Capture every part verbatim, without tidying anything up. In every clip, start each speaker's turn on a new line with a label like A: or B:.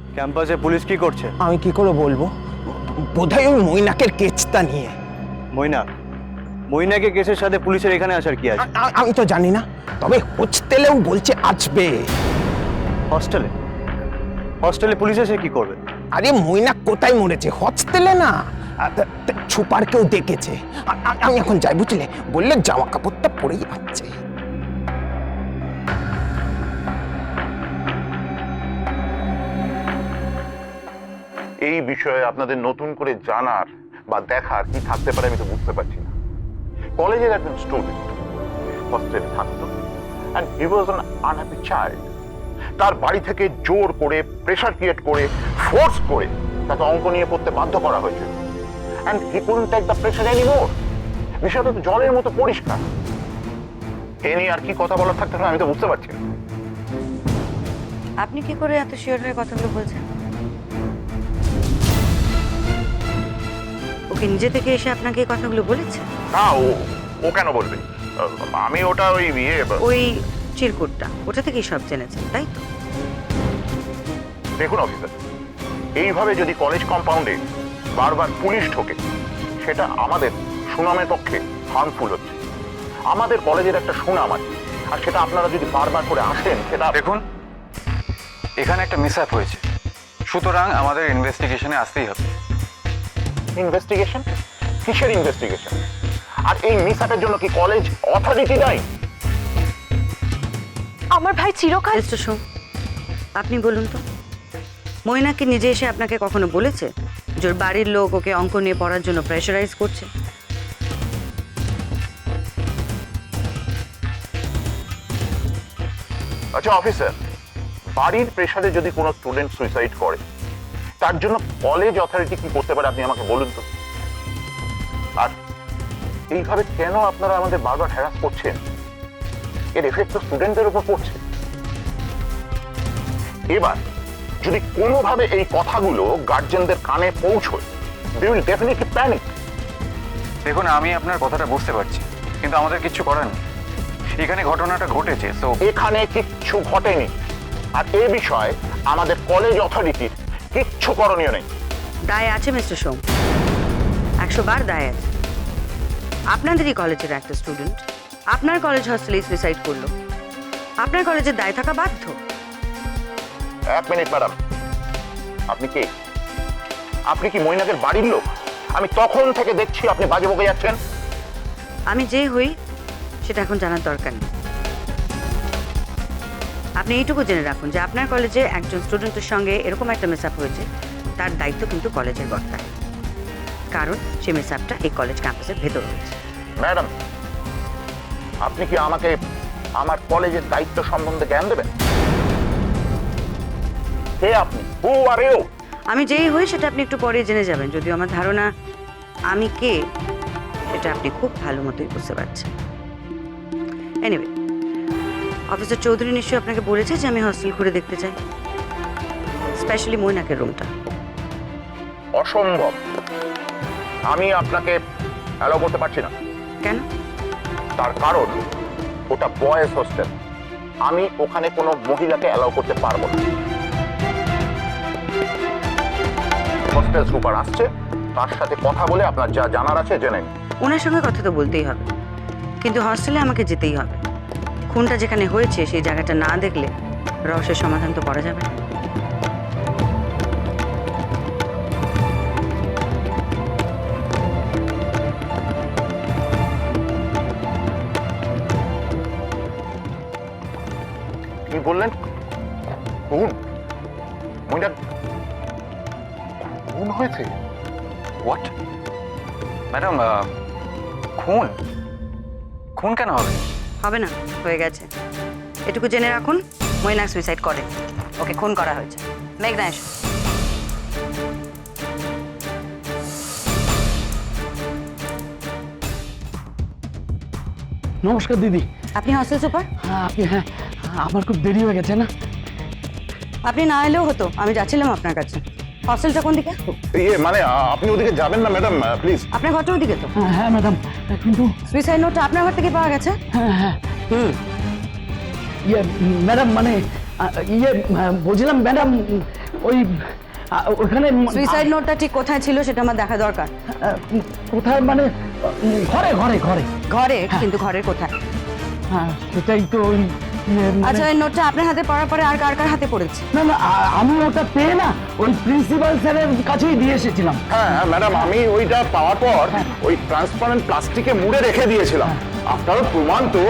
A: ক্যাম্পাসে পুলিশ কি করছে?
B: আমি কি করে বলবো, বোধহয় ওই মৈনাকের কেসটা নিয়ে।
A: মৈনাক? মৈনাকের কেসের সাথে পুলিশের এখানে আসার কি আছে?
B: আ- আ- আমি তো জানি না, তবে হোস্টেলেও বলছে আসবে।
A: হস্টেলে? হস্টেলে পুলিশ এসে কি করবে?
B: আরে মৈনাক কোথায় মরেছে? হোস্টেলে না, আ, তা- তা ছুপার কেউ দেখেছে। আ- আ- আমি এখন যাই, বুঝলে, বললে জামা কাপড়টা পরেই আছে।
C: এই বিষয়ে আপনাদের নতুন করে জানার বা দেখার কি থাকতে পারে আমি তো বুঝতে পারছি না। কলেজের একজন স্টুডেন্ট হস্টেলে থাকতো and he was an unhappy child. তার বাড়ি থেকে জোর করে, প্রেশার ক্রিয়েট করে, ফোর্স করে তাকে অঙ্ক নিয়ে পড়তে বাধ্য করা হয়েছিল and he couldn't take the pressure anymore. বিষয়টা তো জলের মতো পরিষ্কার। এ নিয়ে আর কি কথা বলার থাকতে পারে আমি তো বুঝতে পারছি না।
D: আপনি কি করে এত শিওর হয়ে কথাগুলো বলছেন? ওকে নিজে থেকে এসে আপনাকে এই কথাগুলো বলেছে?
C: না, ও ও কেন বলবে? আমি ওটা ওই ইয়ে
D: ওই চিরকুটটা, ওটা থেকেই সব জেনেছেন, তাই তো?
C: দেখুন অফিসার, এইভাবে যদি কলেজ কম্পাউন্ডে বারবার পুলিশ ঢোকে সেটা আমাদের সুনামের পক্ষে হার্মফুল হচ্ছে। আমাদের কলেজের একটা সুনাম আছে, আর সেটা আপনারা যদি বারবার করে আসেন সেটা
E: দেখুন, এখানে একটা মিস আপ হয়েছে, সুতরাং আমাদের ইনভেস্টিগেশনে আসতেই হবে।
C: ইনভেস্টিগেশন? কিসের ইনভেস্টিগেশন? আর এই মিস আপের জন্য কি কলেজ অথরিটি নাই?
F: আমার ভাই চিরকাল
D: মিস্টার সোম, আপনি বলুন তো, মৈনাকে নিজে এসে আপনাকে কখনো বলেছে যে ওর বাড়ির লোক ওকে অঙ্ক নিয়ে পড়ার জন্য প্রেশারাইজ করছে?
C: আচ্ছা অফিসার, বাড়ির প্রেসারে যদি কোনো স্টুডেন্ট সুইসাইড করে তার জন্য কলেজ অথরিটি কি করতে পারে আপনি আমাকে বলুন তো। আর এইভাবে কেন আপনারা আমাদের বারবার হ্যারাস করছেন? এর এফেক্ট তো স্টুডেন্টদের উপর পড়ছে। এবার যদি কোনোভাবে এই কথাগুলো গার্জেনদের কানে পৌঁছয়, দে উইল ডেফিনেটলি প্যানিক।
E: দেখুন, আমি আপনার কথাটা বুঝতে পারছি, কিন্তু আমাদের কিচ্ছু করার নেই। এখানে ঘটনাটা ঘটেছে, তো
C: এখানে কিচ্ছু ঘটেনি, আর এ বিষয়ে আমাদের কলেজ অথরিটির কিচ্ছু করণীয় নেই।
D: দায় আছে মিস্টার সোম, একশো বার দায় আছে। আপনাদেরই কলেজের একটা স্টুডেন্ট আপনার কলেজ হস্টেলে সুইসাইড করলো, আপনার কলেজের দায় থাকা বাধ্য।
C: এক মিনিট ম্যাডাম, আপনি কি আপনি কি মৈনাকের বাড়ির লোক? আমি তখন থেকে দেখছি আপনি বাজে বকে যাচ্ছেন।
D: আমি যে হই সেটা এখন জানার দরকার নেই। আপনি এইটুকু জেনে রাখুন যে আপনার কলেজে একজন স্টুডেন্টের সঙ্গে এরকম একটা মিসআপ হয়েছে, তার দায়িত্ব কিন্তু কলেজের বর্তায়, কারণ সে মিসআপটা এই কলেজ ক্যাম্পাসের ভেতর হয়েছে।
C: ম্যাডাম, আপনি কি আমাকে আমার কলেজের দায়িত্ব সম্বন্ধে জ্ঞান দেবেন? কে আপনি? Who are you?
D: আমি যেই হই সেটা আপনি একটু পরে জেনে যাবেন, যদিও আমার ধারণা আমি কে সেটা আপনি খুব ভালো মতোই বুঝতে পারছেন। এনিওয়ে, অফিসার চৌধুরী নিশ্চয়ই আপনাকে বলেছে যে আমি হস্টেল ঘুরে দেখতে চাই, স্পেশালি মৈনাকের রুমটা।
C: অসম্ভব, আমি আপনাকে অ্যালাউ করতে পারছি না।
D: কেন?
C: তার কারণ ওটা বয়েজ হোস্টেল, আমি ওখানে কোনো মহিলাকে অ্যালাউ করতে পারবো না। হোস্টেল সুপার আসছে, তার সাথে কথা বলে আপনার যা জানার আছে জেনে নিন।
D: ওনার সঙ্গে কথা তো বলতেই হবে, কিন্তু হস্টেলে আমাকে যেতেই হবে। খুনটা যেখানে হয়েছে সেই জায়গাটা না দেখলে রহস্যের সমাধান তো করা যাবে না।
C: কি বললেন? খুন? মহিলা খুন হয়েছে?
E: হোয়াট? ম্যাডাম, খুন খুন কেন হবে?
D: হবে না, হয়ে গেছে। এটুকু জেনে রাখুন, মৈনাক সুইসাইড করে, ওকে খুন করা হয়েছে। মেঘনা এসো।
G: নমস্কার দিদি।
D: আপনি হস্টেল সুপার?
G: হ্যাঁ আপনি, হ্যাঁ আমার খুব দেরি হয়ে গেছে না?
D: আপনি না এলেও হতো, আমি যাচ্ছিলাম আপনার কাছে। হস্টেলটা কোন দিকে?
C: ইয়ে মানে আ- আপনি ওদিকে যাবেন না ম্যাডাম, প্লিজ।
D: আপনার ঘরটা ওদিকে তো।
G: হ্যাঁ হ্যাঁ ম্যাডাম, কিন্তু
D: সুইসাইড নোটটা আপনার ঘর থেকে পাওয়া গেছে?
G: হ্যাঁ হ্যাঁ
D: হুম।
G: ইয়ে ম্যাডাম মানে আ, ইয়ে আ, বলছিলাম ম্যাডাম ওই আ, ওখানে ম-
D: সুইসাইড নোটটা ঠিক কোথায় ছিল সেটা আমার দেখা দরকার।
G: আ, কোথায় মানে উম, ঘরে ঘরে ঘরে
D: ঘরে? কিন্তু ঘরের কোথায়?
G: হ্যাঁ সেটাই তো ওই ইয়ে, মানে-
D: আচ্ছা, এই নোটটা আপনার হাতে পড়ার পরে আর কার কার হাতে পড়েছে?
G: না না আ- আমি ওটা পেয়ে না ওই প্রিন্সিপাল স্যারের কাছেই দিয়ে এসেছিলাম।
C: হ্যাঁ হ্যাঁ ম্যাডাম, আমি ওইটা পাওয়ার পর ওই ট্রান্সপারেন্ট প্লাস্টিকে মুড়ে রেখে দিয়েছিলাম। আপনারও প্রমাণ তো।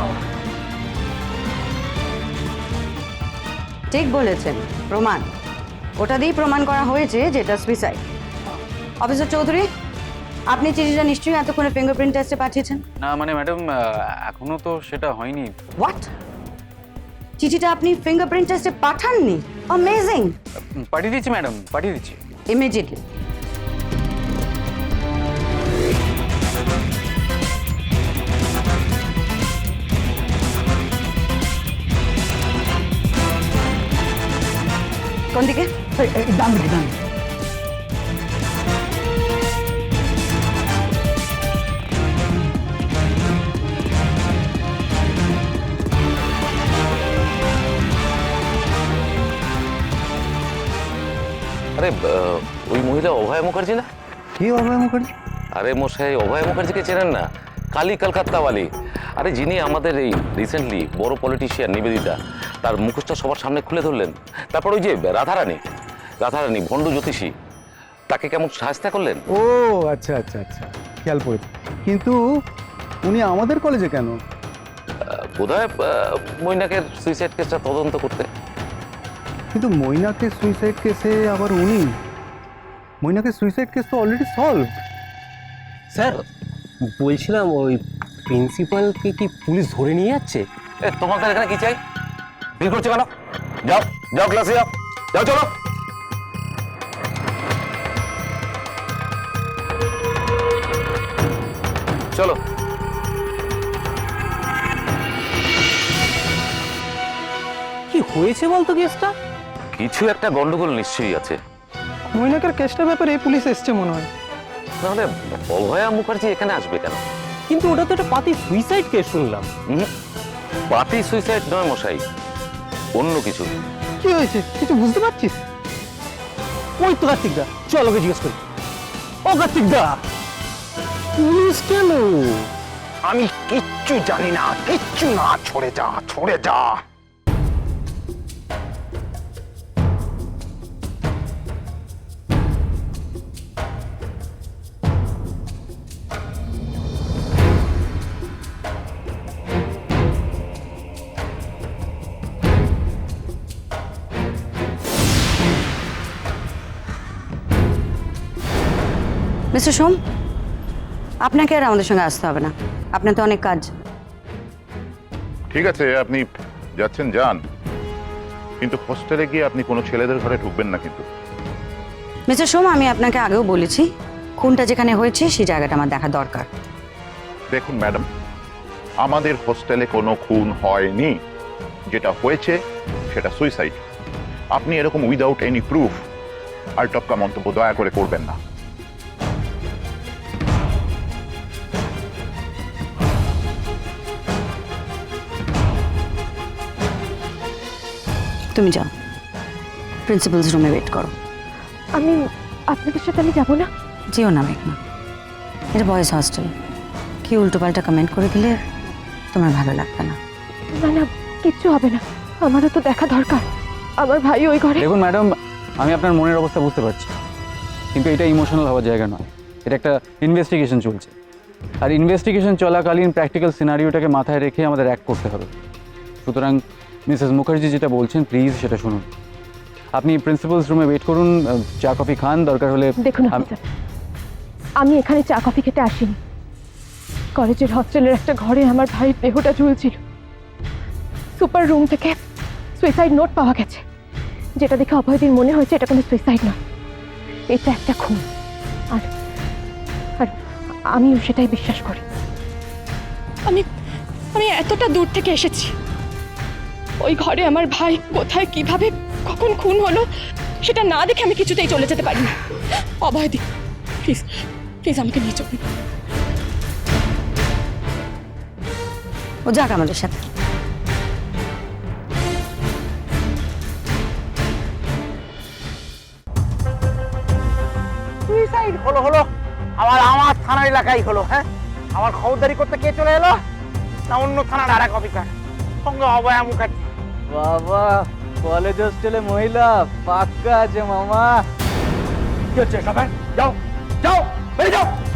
D: ঠিক বলেছেন, প্রমাণ। ওটা দিয়েই প্রমাণ করা হয়েছে যেটা সুইসাইড। অফিসার চৌধুরী, আপনি চিঠিটা নিশ্চয়ই এতক্ষণে ফিঙ্গারপ্রিন্ট টেস্টে পাঠিয়েছেন।
E: না মানে ম্যাডাম, এখনো তো সেটা হয়নি।
D: হোয়াট? চিঠিটা আপনি ফিঙ্গারপ্রিন্ট টেস্টে পাঠাননি? অ্যামেজিং।
E: পাঠিয়ে দিচ্ছি ম্যাডাম, পাঠিয়ে দিচ্ছি।
D: ইমিডিয়েটলি। কোন দিকে?
G: এই- এই ডান দিকে ডান দিকে।
F: আরে আহ, ওই মহিলা অভয় মুখার্জি না?
A: কি অভয় মুখার্জি?
F: আরে মশাই, অভয় মুখার্জিকে চেনেন না? কালী কলকাতাওয়ালি। আরে যিনি আমাদের এই রিসেন্টলি বড় পলিটিশিয়ান নিবেদিতা, তার মুখোশটা সবার সামনে খুলে ধরলেন। তারপর ওই যে রাধারানী, রাধারানী ভণ্ড জ্যোতিষী, তাকে কেমন সাহায্য করলেন।
H: ও আচ্ছা আচ্ছা আচ্ছা, খেয়াল পড়েছে। কিন্তু উনি আমাদের কলেজে কেন?
F: বোধ হয় মৈনাকের সুইসাইড কেসটা তদন্ত করতে।
H: কিন্তু মৈনাকের সুইসাইড কেসে আবার উনি? মৈনাকের সুইসাইড কেস তো অলরেডি সলভ।
A: স্যার বলছিলাম, ওই প্রিন্সিপালকে কি পুলিশ ধরে নিয়ে যাচ্ছে?
F: এ তোমাদের এখানে কি চাই? ভিড় করছে কেন? যাও যাও ক্লাসে যাও, যাও চলো। চলো।
A: কি হয়েছে বলতো কেসটা?
F: কিছু একটা গন্ডগোল নিশ্চয়ই আছে।
I: মৈনাকের কেসটার ব্যাপারে পুলিশ এসছে মনে হয়।
F: তাহলে অভয়া মুখার্জি এখানে আসবে কেন?
A: কিন্তু ওটা তো একটা পাতি সুইসাইড কেস শুনলাম।
F: হুম, পাতি সুইসাইড নয় মশাই, অন্য কিছু।
I: কি হয়েছে কিছু বুঝতে পারছিস?
A: ওই তো কার্তিক দা, চল ওকে জিজ্ঞেস করি। ও কার্তিক দা, পুলিশ কেন?
B: আমি কিচ্ছু জানি না, কিচ্ছু না। ছড়ে যা, ছড়ে যা।
D: মিস্টার সোম, আপনাকে আর আমাদের সঙ্গে আসতে হবে না, আপনার তো অনেক কাজ।
C: ঠিক আছে, আপনি যাচ্ছেন যান, কিন্তু হোস্টেলে গিয়ে আপনি কোনো ছেলেদের ঘরে ঢুকবেন না কিন্তু।
D: মিস্টার সোম, আমি আপনাকে আগেও বলেছি, খুনটা যেখানে হয়েছে সেই জায়গাটা আমার দেখা দরকার।
C: দেখুন ম্যাডাম, আমাদের হোস্টেলে কোনো খুন হয়নি। যেটা হয়েছে সেটা সুইসাইড। আপনি এরকম উইদাউট এনি প্রুফ আর টপকা মন্তব্য দয়া করে করবেন না।
D: তুমি যাও, প্রিন্সিপালস রুমে ওয়েট করো।
J: আমি আপনাদের সাথে আমি যাব না।
D: যেও না মেঘনা, এটা বয়েজ হস্টেল। কি উল্টোপাল্টা কমেন্ট করে দিলে তোমার ভালো লাগবে না।
J: না না, কিচ্ছু হবে না, আমারও তো দেখা দরকার। আমার ভাই ওই ঘরে।
E: দেখুন ম্যাডাম, আমি আপনার মনের অবস্থা বুঝতে পারছি, কিন্তু এটা ইমোশনাল হওয়ার জায়গা নয়। এটা একটা ইনভেস্টিগেশন চলছে, আর ইনভেস্টিগেশন চলাকালীন প্র্যাকটিক্যাল সিনারিওটাকে মাথায় রেখে আমাদের অ্যাক্ট করতে হবে। সুতরাং মিসেস মুখার্জি যেটা বলছেন প্লিজ সেটা শুনুন। আপনি প্রিন্সিপালস রুমে ওয়েট করুন, চা কফি খান, দরকার হলে।
J: দেখুন
E: আম-
J: অফিসার, আমি এখানে চা কফি খেতে আসিনি। কলেজের হস্টেলের একটা ঘরে আমার ভাইয়ের দেহটা ঝুলছিল। সুপার রুম থেকে সুইসাইড নোট পাওয়া গেছে, যেটা দেখে অভয়দিন মনে হয়েছে এটা কোনো সুইসাইড নয়, এটা একটা খুন। আর আর আমিও সেটাই বিশ্বাস করি। আমি আমি এতটা দূর থেকে এসেছি, ওই ঘরে আমার ভাই কোথায় কিভাবে কখন খুন হলো সেটা না দেখে আমি কিছুতেই চলে যেতে পারি না। অভয়দি, প্লিজ প্লিজ আমাকে নিয়ে চলুন।
D: ও যাক আমাদের সাথে।
B: সুইসাইড হলো হলো আমার আমার থানার এলাকায় হলো। হ্যাঁ, আমার খবরদারি করতে কে চলে এলো? না অন্য থানার আর এক অফিসার, সঙ্গে অভয়া মুখার্জি।
E: বাবা, কলেজ হোস্টেলে মহিলা পাক্কা আছে মামা।
B: কি হচ্ছে সবাই? যাও যাও বেরিয়ে যাও।